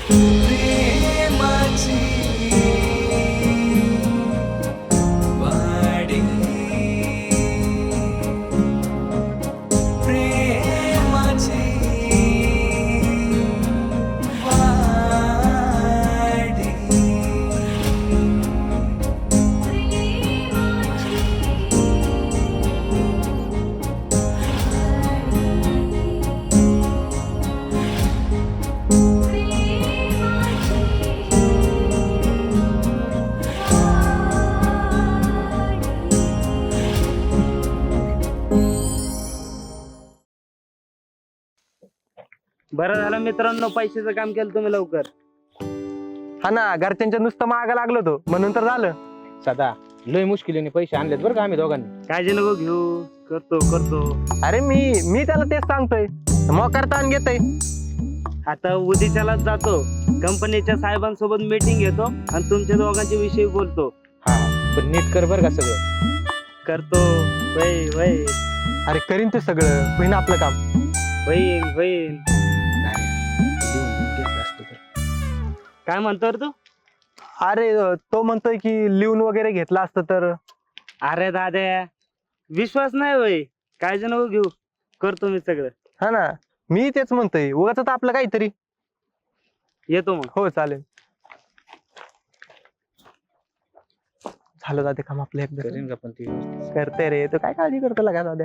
प्रेमाची वाडी प्रेमाची वाडी बरं झालं मित्रांनो, पैशाचं काम केलं तुम्ही लवकर. हा ना, घरच्यांच्या नुसतं मागं लागलो तो म्हणून तर झालं. सदा लय मुश्किलीने पैसे आणलेत बरं का आम्ही दोघांनी. काळजी नको घेऊ, करतो करतो. अरे मी त्याला तेच सांगतोय, मोकार ताण घेतोय. आता उद्याच्यालाच जातो, कंपनीच्या साहेबांसोबत मीटिंग घेतो आणि तुमच्या दोघांचे विषयी बोलतो. हा पण नीट कर बरं का सगळं. करतो. वय वय अरे करीन ते सगळं, होईन आपलं काम. होईल होईल. लिहून घेतलं असतं तर. काय म्हणतो रे तू? अरे तो म्हणतोय की लिहून वगैरे घेतला असतं तर. अरे दाद्या, विश्वास नाही होय, काळजी नको घेऊ, करतो मी सगळं. हा ना, मी तेच म्हणतोय, उगाच आपलं काहीतरी. येतो मग. हो चालेल. झालं जाते काम आपलं एकदा. करीन का पण ती व्यवस्थित. करते रे, तू काय काळजी करतो लगा दाद्या.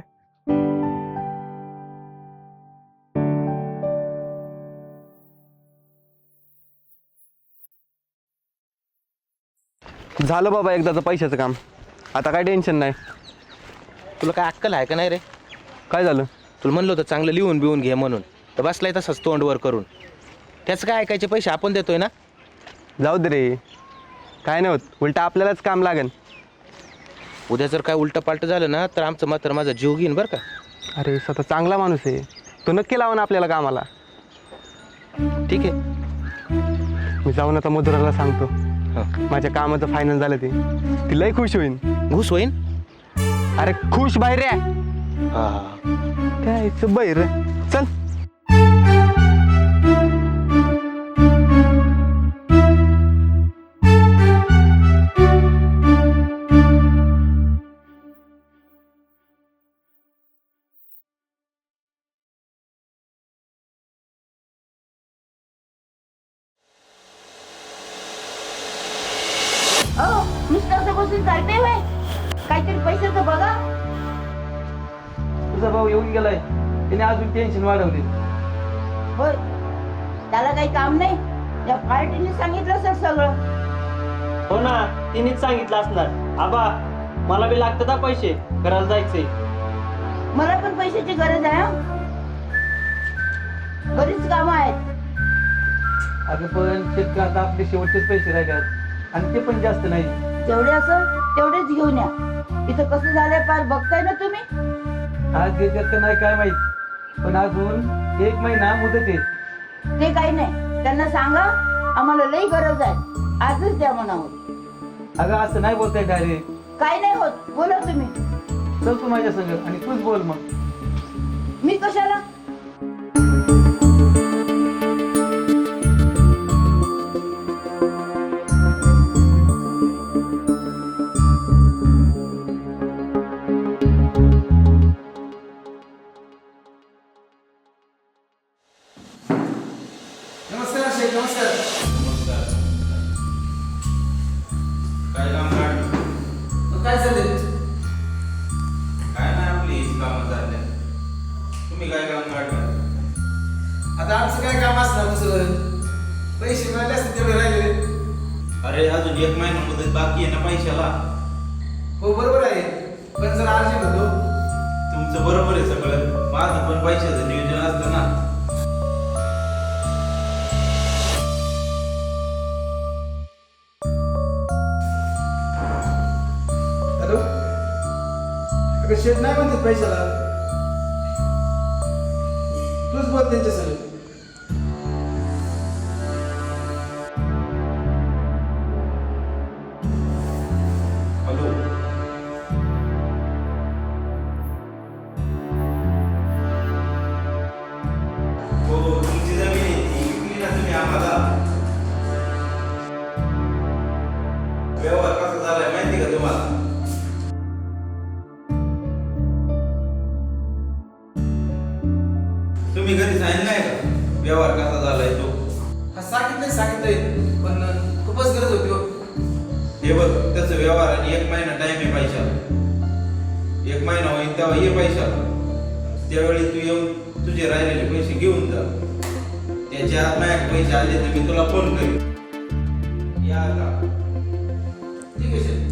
झालं बाबा एकदाचं पैशाचं काम, आता काय टेन्शन नाही. तुला काय अक्कल आहे का नाही रे? काय झालं? तुला म्हणलं होतं चांगलं लिहून बिहून घे म्हणून, तर बसलाय तसंच तोंड वर करून. त्याचं काय ऐकायचे, पैसे आपण देतोय ना. जाऊ दे रे, काय नाही होत, उलट आपल्यालाच काम लागेल. उद्या जर काय उलट पालट झालं ना तर आमचं मात्र माझा जीव घेईन बरं का. अरे स्वतः चांगला माणूस आहे तो, नक्की लावा ना आपल्याला कामाला. ठीक आहे. मी जाऊन आता मधुराला सांगतो हं. माझ्या कामाचं फायनल झालं ते, ती लय खुश होईन. घुस होईन. अरे खुश बाहेर रे, हा काय बाहेर चल. नुसतं असं बसून चालते व्हय? काहीतरी पैशाचं बघा. तुझा भाऊ येऊन गेलाय, त्याने अजून टेन्शन वाढवले. होय, त्याला काही काम नाही. या पार्टीने सांगितलं असेल सगळं. हो ना, तिनेच सांगितलं असणार. आबा, मला बी लागतात हा पैसे, करायला जायचंय. मला पण पैशाची गरज आहे. हं. बरीच कामं आहेत. अगं पण शेतकऱ्यात आपले शेवटचेच पैसे राहतात, आणि ते पण जास्त नाही. जेवढे असं तेवढेच घेऊन या. इथं कसं झालंय पार बघताय ना तुम्ही. आज देतात का नाही काय माहित, पण अजून 1 महिना मुदत आहे. ते काही नाही, त्यांना सांगा आम्हाला लई गरज आहे, आजच द्या म्हणावं. अगं असं नाही बोलताय डायरेक्ट. काही नाही होत, बोला तुम्ही. चल तू माझ्या संग आणि तूच बोल मग. मी कशाला? नमस्कार शेख, नमस्कार. काय काम काढ? काय चाललंय? काय नाही, आपली हीच कामं चालले. तुम्ही काय काम काढलं? आता आमचं काय काम असणार दुसरं? पैसे मिळाले असते तेवढे राहिले. अरे अजून 1 महिना मुदत बाकी आहे ना पैशाला. हो बरोबर आहे, पण जर अर्जंट होतो. तुमचं बरोबर आहे सगळं, माझं पण पैशाचं नियोजन असतं ना. हॅलो, अगं शेठ नाही म्हणतात पैशाला. तूच बोल त्यांच्यासोबत. हॅलो, हो तुमची जमीन आहे ती विकली ना तुम्ही आम्हाला. तुम्ही घरी सांगितलं नाही का व्यवहार कसा झालाय तो? हा सांगितलंय पण खूपच गरज होती हो. हे बघ त्याचं व्यवहार आणि 1 महिना टाइम आहे पैशाला. 1 महिना होईल तेव्हा ये पैशाला. त्यावेळी तू येऊन तुझे राहिलेले पैसे घेऊन जा. त्याच्या आत माझ्याकडे पैसे आले तर मी तुला फोन करेन. या का? ठीक आहे शेठ.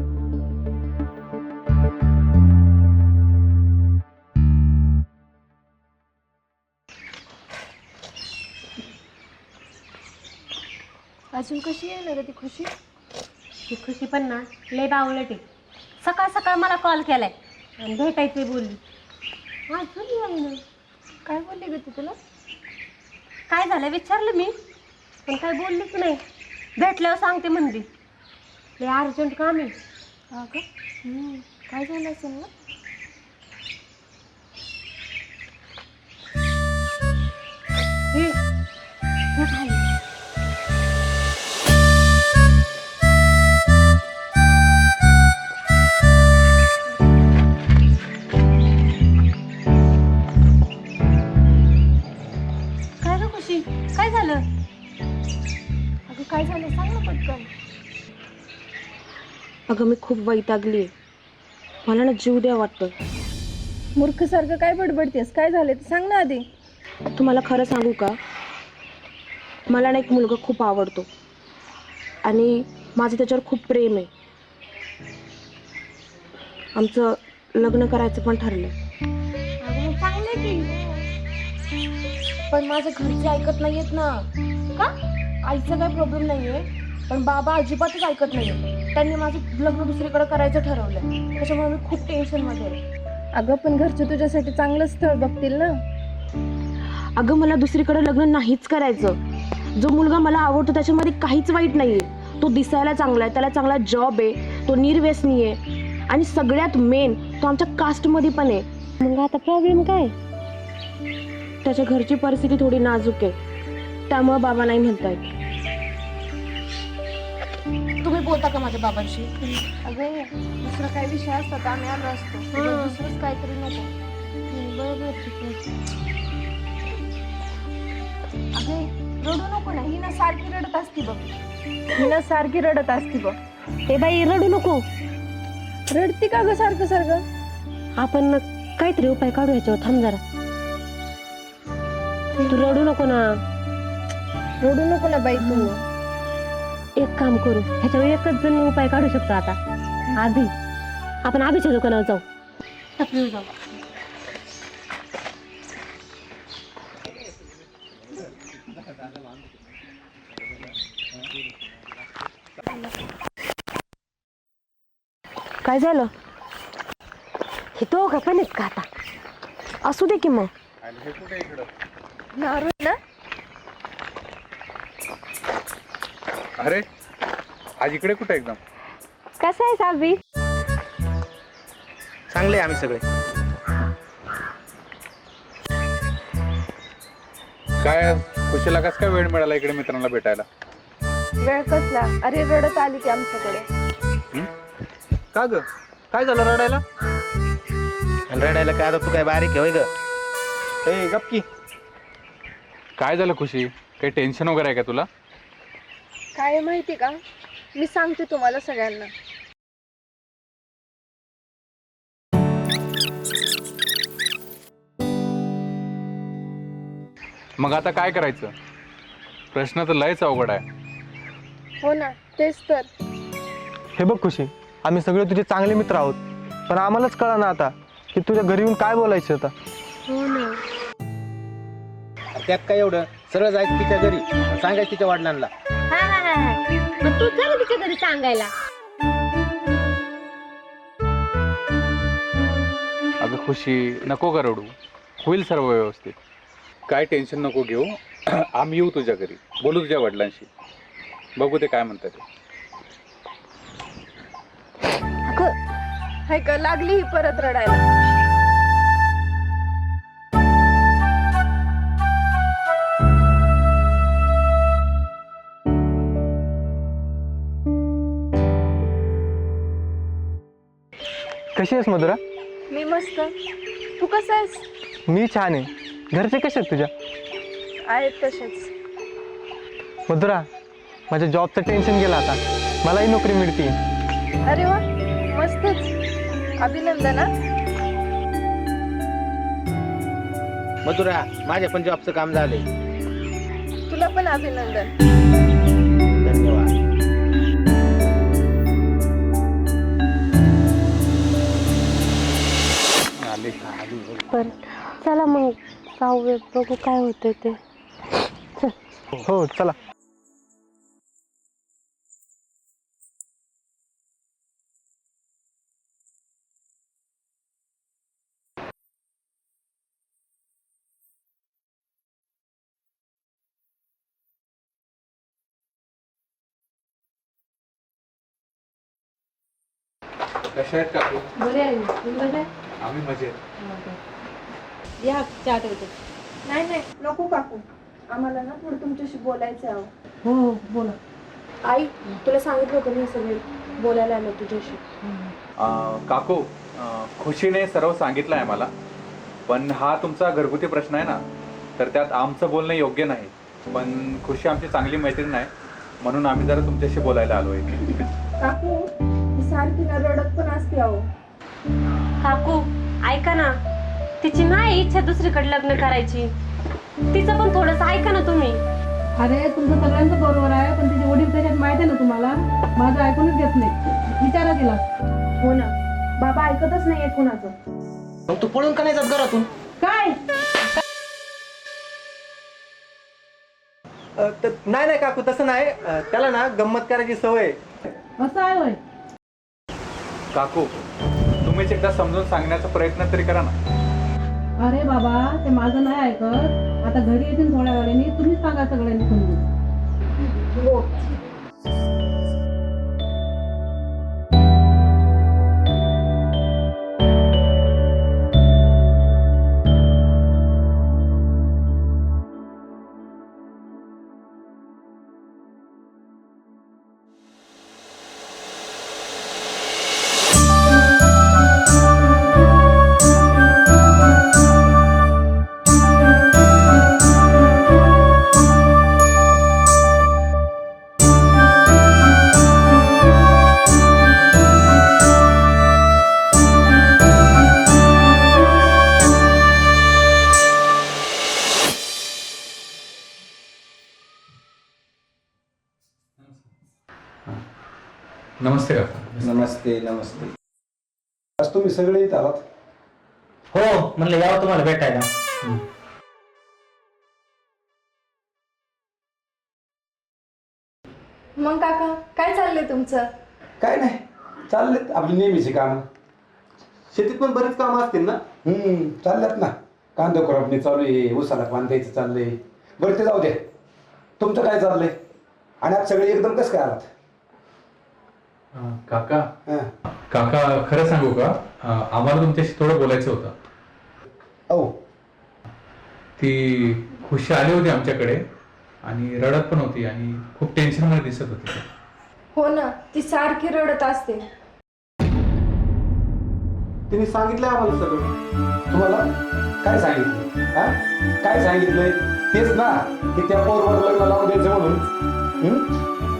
अजून कशी आहे ना ग ती खुशी? ती खुशी पण ना लय बावळट आहे. सकाळ सकाळ मला कॉल केलाय आणि भेटायचं बोलली. अजून नाही ना. काय बोलली ग ती तुला? काय झालं विचारलं मी, पण काय बोललीच नाही. भेटल्यावर सांगते म्हणली. लय अर्जंट काम आहे. हा का? काय झालं असेल ना? हे खाली. काय झालं? अगं काय झालं सांग ना पटकन. अगं मी खूप वैतागली. मला ना जीव द्या वाटतं. मूर्खसारखं काय बडबडतेस? काय झालं ते सांग ना आधी. तुम्हाला खरं सांगू का, मला ना एक मुलगा खूप आवडतो आणि माझं त्याच्यावर खूप प्रेम आहे. आमचं लग्न करायचं पण ठरलं. अगं चांगलं की, पण माझ्या घरचे ऐकत नाहीयेत ना. का? आईचा काही प्रॉब्लेम नाहीये, पण बाबा अजिबातच ऐकत नाहीये. त्यांनी माझं लग्न दुसरीकडे करायचं ठरवलंय. त्याच्यामुळे मी खूप टेन्शनमध्ये आहे. अगं पण घरचे तुझ्यासाठी चांगलं स्थळ बघतील ना. अगं मला दुसरीकडे लग्न नाहीच करायचं. जो मुलगा मला आवडतो त्याच्यामध्ये काहीच वाईट नाहीये. तो दिसायला चांगला आहे, त्याला चांगला जॉब आहे, तो निर्व्यसनी आहे आणि सगळ्यात मेन तो आमच्या कास्टमध्ये पण आहे. मग आता प्रॉब्लेम काय? त्याच्या घरची परिस्थिती थोडी नाजूक आहे, त्यामुळे बाबा नाही म्हणतायत. तुम्ही बोलता का माझ्या बाबांशी? अगं दुसरा काय विषय असता तर आम्ही आलो असतो. दुसरंच काहीतरी नको. बरोबर ठीक आहे. अगे रडू नको ना, ही ना सारखी रडत असती बघ. हिला सारखी रडत असती बघ. ए बाई रडू नको. रडती का ग सारखं सारखं? आपण काहीतरी उपाय काढू ह्याच्यावर. थांब जरा. तू रडू नको ना. रडू नको ना बाई तू. एक काम करू, ह्याच्यावर एकच जण उपाय काढू शकतो. आता आधी आपण आधीच्या दुकानावर जाऊ. टपरीवर जाऊ. काय झालं? हे दोघं पण आहेत का आता? असू दे की मग. नारू ना. अरे आज इकडे कुठे एकदम? कसं आहे साबी? चांगले आम्ही सगळे. काय खुशीला कस काय वेळ मिळाला इकडे मित्रांना भेटायला? वेळ कसला? अरे रडत आली की आमच्याकडे. का ग? काय झालं रडायला? आणि रडायला काय? आता तू काय बारीक आहे होय ग? ए गप्की. काय झालं खुशी? काही टेन्शन वगैरे आहे का तुला? काय माहिती का, मी सांगते तुम्हाला सगळ्यांना. मग आता काय करायचं? प्रश्न तर लयच अवघड आहे. हो ना, तेच तर. हे बघ खुशी, आम्ही सगळे तुझे चांगले मित्र आहोत, पण आम्हालाच कळा ना आता की तुझ्या घरी येऊन काय बोलायचं आता. हो ना. त्यात काय एवढं? सरळ जायचं तिच्या घरी, सांगायचं तिच्या वडिलांना. मग तू चल तिच्या घरी सांगायला. अगं खुशी नको का रडू, होईल सर्व व्यवस्थित. काय टेन्शन नको घेऊ. आम्ही येऊ तुझ्या घरी, बोलू तुझ्या वडिलांशी, बघू ते काय म्हणतात ते. हाय का लागली ही परत रडायला. कशी आहेस मधुरा? मी मस्त. तू कसा आहेस? मी छान आहे. घरचे कसे आहेत तुझ्या? आहेत तसेच. मधुरा, माझ्या जॉबचं टेन्शन गेलं आता, मलाही नोकरी मिळते. अरे वा, मस्तच, अभिनंदन. मधुरा, माझ्या पण जॉबचं काम झालंय. तुला पण अभिनंदन. धन्यवाद. बरं चला मग जाऊया, बघू काय होतंय ते. हो चला. कशा आहेत काकू? बरे आहे, तुम्ही बरे आहे? आम्ही मजेत. या चहा ठेवते. नाही नाही नको काकू, आम्हाला ना थोडं तुमच्याशी बोलायचं आहे. हो हो बोला. आई, तुला सांगितलं होतं मी सगळे बोलायला आलो तुझ्याशी. काकू, खुशीने सर्व सांगितलं आहे मला, पण हा तुमचा घरगुती प्रश्न आहे ना, तर त्यात आमचं बोलणं योग्य नाही. पण खुशी आमची चांगली मैत्रीण आहे, म्हणून आम्ही जरा तुमच्याशी बोलायला आलो आहे. काकू ही सारखी ना रडत पण असते. अहो काकू ऐका ना, तिची नाही इच्छा दुसरीकडे लग्न करायची, तिचं पण थोडंसं ऐका ना तुम्ही. अरे तुमचं सगळ्यांचं बरोबर आहे, पण तिचे वडील त्याच्यात माहिती आहे ना तुम्हाला, माझं ऐकूनच घेत नाही. विचारा तिला. हो ना, बाबा ऐकतच नाहीये कुणाचं. मग तू पळून का नाही जात घरातून? काय नाही नाही काकू, तसं नाही. त्याला ना गंमत करायची सवय. असं आहे होय? काकू, तुम्हीच एकदा समजून सांगण्याचा प्रयत्न तरी करा ना. अरे बाबा, ते माझं नाही ऐकत. आता घरी येतील थोड्या वेळाने, तुम्हीच सांगा सगळ्यांनी समजून. हो. नमस्ते काका. नमस्ते नमस्ते. आज तुम्ही सगळे इथं आलात? हो, म्हणलं यावं तुम्हाला भेटायला. मग काका काय चाललंय तुमचं? काय नाही, चाललेत आपली नेहमीची कामं. शेतीत पण बरीच कामं असतील ना? चालल्यात ना. कांदा खुरपणी चालू आहे, उसाला पाणी द्यायचं चाललंय. बरं ते जाऊ द्या, तुमचं काय चाललंय? आणि आज सगळे एकदम कसं काय आलात? काका, हां. काका खरं सांगू का, आम्हाला तुमच्याशी थोडं बोलायचं होतं. हो. ती खुशी आली होती आमच्याकडे आणि रडत पण होती आणि खूप टेन्शन मध्ये दिसत होती ती. हो ना, ती सारखी रडत असते. तिने सांगितलं आम्हाला सगळं. तुम्हाला काय सांगितलं? हा, काय सांगितलंय? तेच ना की त्या पोरवर लग्न लावून द्यायचं म्हणून.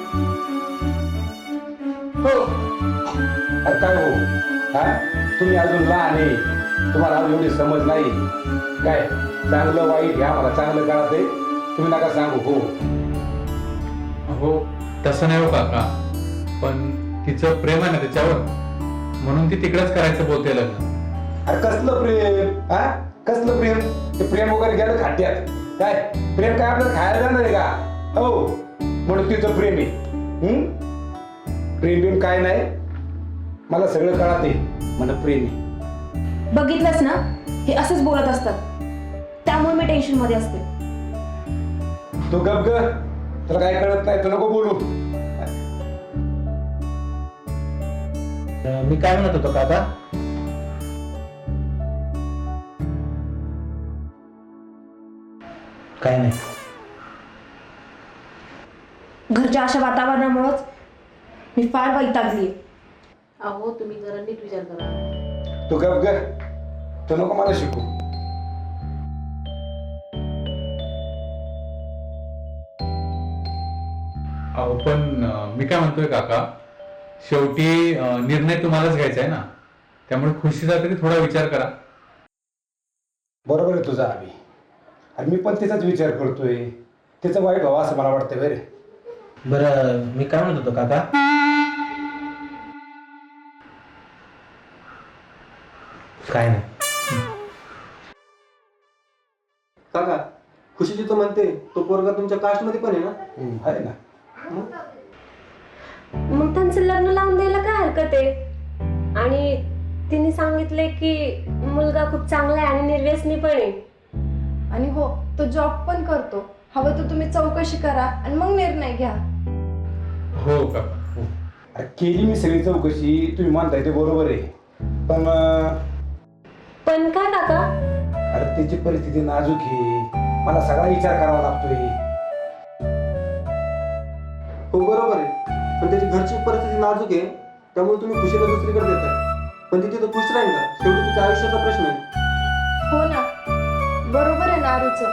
हो. अरे काय हो, हा, तुम्ही अजून लहान आहे, तुम्हाला अजून एवढी समज नाही. काय चांगलं वाईट घ्या, मला चांगलं कळत आहे, तुम्ही नका सांगू. हो हो, तसं नाही हो काका, पण तिचं प्रेम आहे ना त्याच्यावर, म्हणून ती तिकडेच करायचं बोलते लग्न. अरे कसलं प्रेम? हा, कसलं प्रेम? ते प्रेम वगैरे गेलं खाट्यात. काय प्रेम काय आपल्याला खायला जाणार आहे का? हो, म्हणून तिचं प्रेम आहे. प्रेम बिम काय नाही, मला सगळं कळत आहे. मला प्रेम आहे. बघितलंस ना, हे असंच बोलत असतात, त्यामुळे मी टेन्शन मध्ये असते. तू गप ग, तुला काय कळत नाही, तू नको बोलू. मी काय म्हणत होतो काका, काय नाही. घरच्या अशा वातावरणामुळेच मी फार वैतागली. अहो तुम्ही जरा नीट विचार करा. तू गप ग, तू नको मला शिकू. अहो पण मी काय म्हणतोय काका, शेवटी निर्णय तुम्हालाच घ्यायचा आहे ना, त्यामुळे खुशीचा तरी थोडा विचार करा. बरोबर आहे तुझा अभि. आणि मी पण त्याचाच विचार करतोय. त्याचं वाईट व्हावं असं मला वाटतं बरे. बरं मी काय म्हणत होतो काका, काय नाही. काका, खुशीची तो म्हणते तो पोरगा तुमच्या कास्ट मध्ये पण आहे ना? आहे ना. मग त्यांचं लग्न लावून द्यायला काय हरकत आहे? आणि तिने सांगितले की मुलगा खूप चांगला आहे आणि निर्व्यसनी पण आहे. आणि हो, तो जॉब पण करतो. हवं तर तुम्ही चौकशी करा आणि मग निर्णय घ्या. हो काका. अरे केली मी सगळी चौकशी, तुम्ही मानताय ते बरोबर आहे. पण काय काका? अरे त्याची परिस्थिती नाजूक आहे. मला सगळा विचार करावा लागतोय. हो बरोबर आहे, पण त्याची घरची परिस्थिती नाजूक आहे, त्यामुळे तुम्ही खुशीला दुसरीकडे देताय. पण ती तिथं खुश राहील का? शेवटी तिच्या आयुष्याचा प्रश्न आहे. हो ना, बरोबर आहे नारूचं.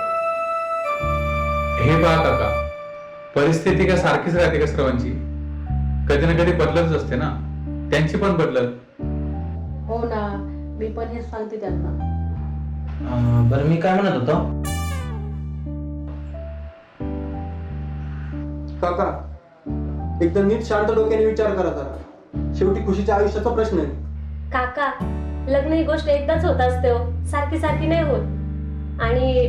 हे पहा काका, परिस्थिती काय सारखीच राहते का सर्वांची? कधी ना कधी बदलतच असते ना, त्यांची पण बदलत. हो ना, मी पण हेच सांगते त्यांना. बरं मी काय म्हणत होतो, काका एकदम नीट शांत डोक्याने विचार करा जरा. शेवटी खुशीच्या आयुष्याचा प्रश्न आहे. काका, लग्न ही गोष्ट एकदाच होत असते हो, सारखी सारखी नाही होत. आणि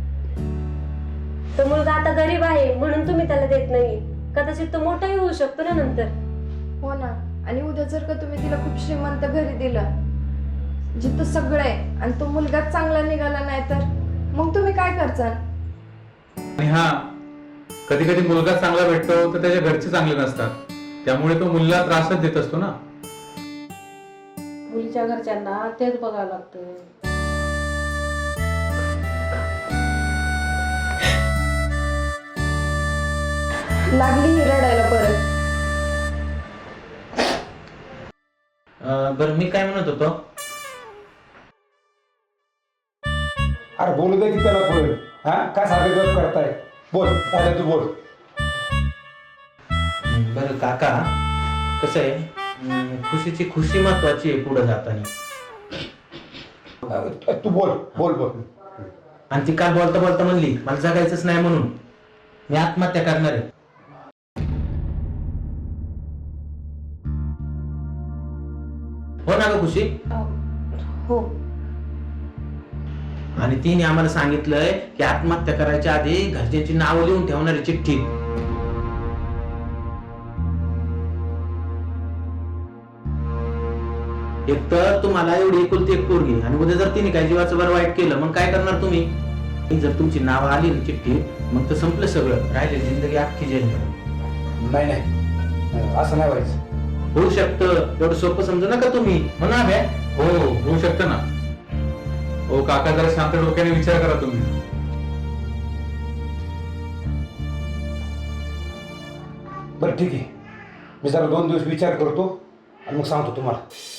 तो मुलगा आता गरीब आहे म्हणून तुम्ही त्याला देत नाही, कदाचित तो मोठाही होऊ शकतो ना नंतर. हो ना, आणि उद्या जर का तुम्ही तिला खूप श्रीमंत घरी दिलं जिथं सगळं आहे आणि तो मुलगाच चांगला निघाला नाही तर मग तुम्ही काय करचाल? आणि हा, कधी कधी मुलगा चांगला भेटतो तर त्याच्या घरचे चांगले नसतात, त्यामुळे तो मुलीला त्रासच देत असतो ना. मुलीच्या घरच्यांना तेच बघावं लागतं. लागली ही रडायला परत. बरं मी काय म्हणत होतो, अरे बोलू दे की त्याला बोल. हा काय सारखं गप करताय? बोल आता तू बोल. बरं काका, कसं आहे, खुशीची खुशी महत्वाची आहे पुढे जाताना. तू बोल बोल बोल. आणि ती काल बोलता बोलता म्हणली मला जगायचंच नाही म्हणून मी आत्महत्या करणार आहे. हो ना ग खुशी? हो. आणि तिने आम्हाला सांगितलंय की आत्महत्या करायच्या आधी घरच्यांची नावं लिहून ठेवणारी चिठ्ठी. एक तर तुम्हाला एवढी एकुलती एक पोरगी आणि उद्या जर तिने काय जीवाचं बरं वाईट केलं मग काय करणार तुम्ही? जर तुमची नावं आली ना चिठ्ठीत मग तर संपलं सगळं, राहिले जिंदगी अख्खी जेलमध्ये. नाही नाही, असं नाही व्हायचं. होऊ शकतं, एवढं सोपं समजू नका तुम्ही. म्हणा बे. हो होऊ शकतं ना. ओ काका, जरा शांत डोक्याने विचार करा तुम्ही. बरं ठीक आहे, मी जरा 2 दिवस विचार करतो आणि मग सांगतो तुम्हाला.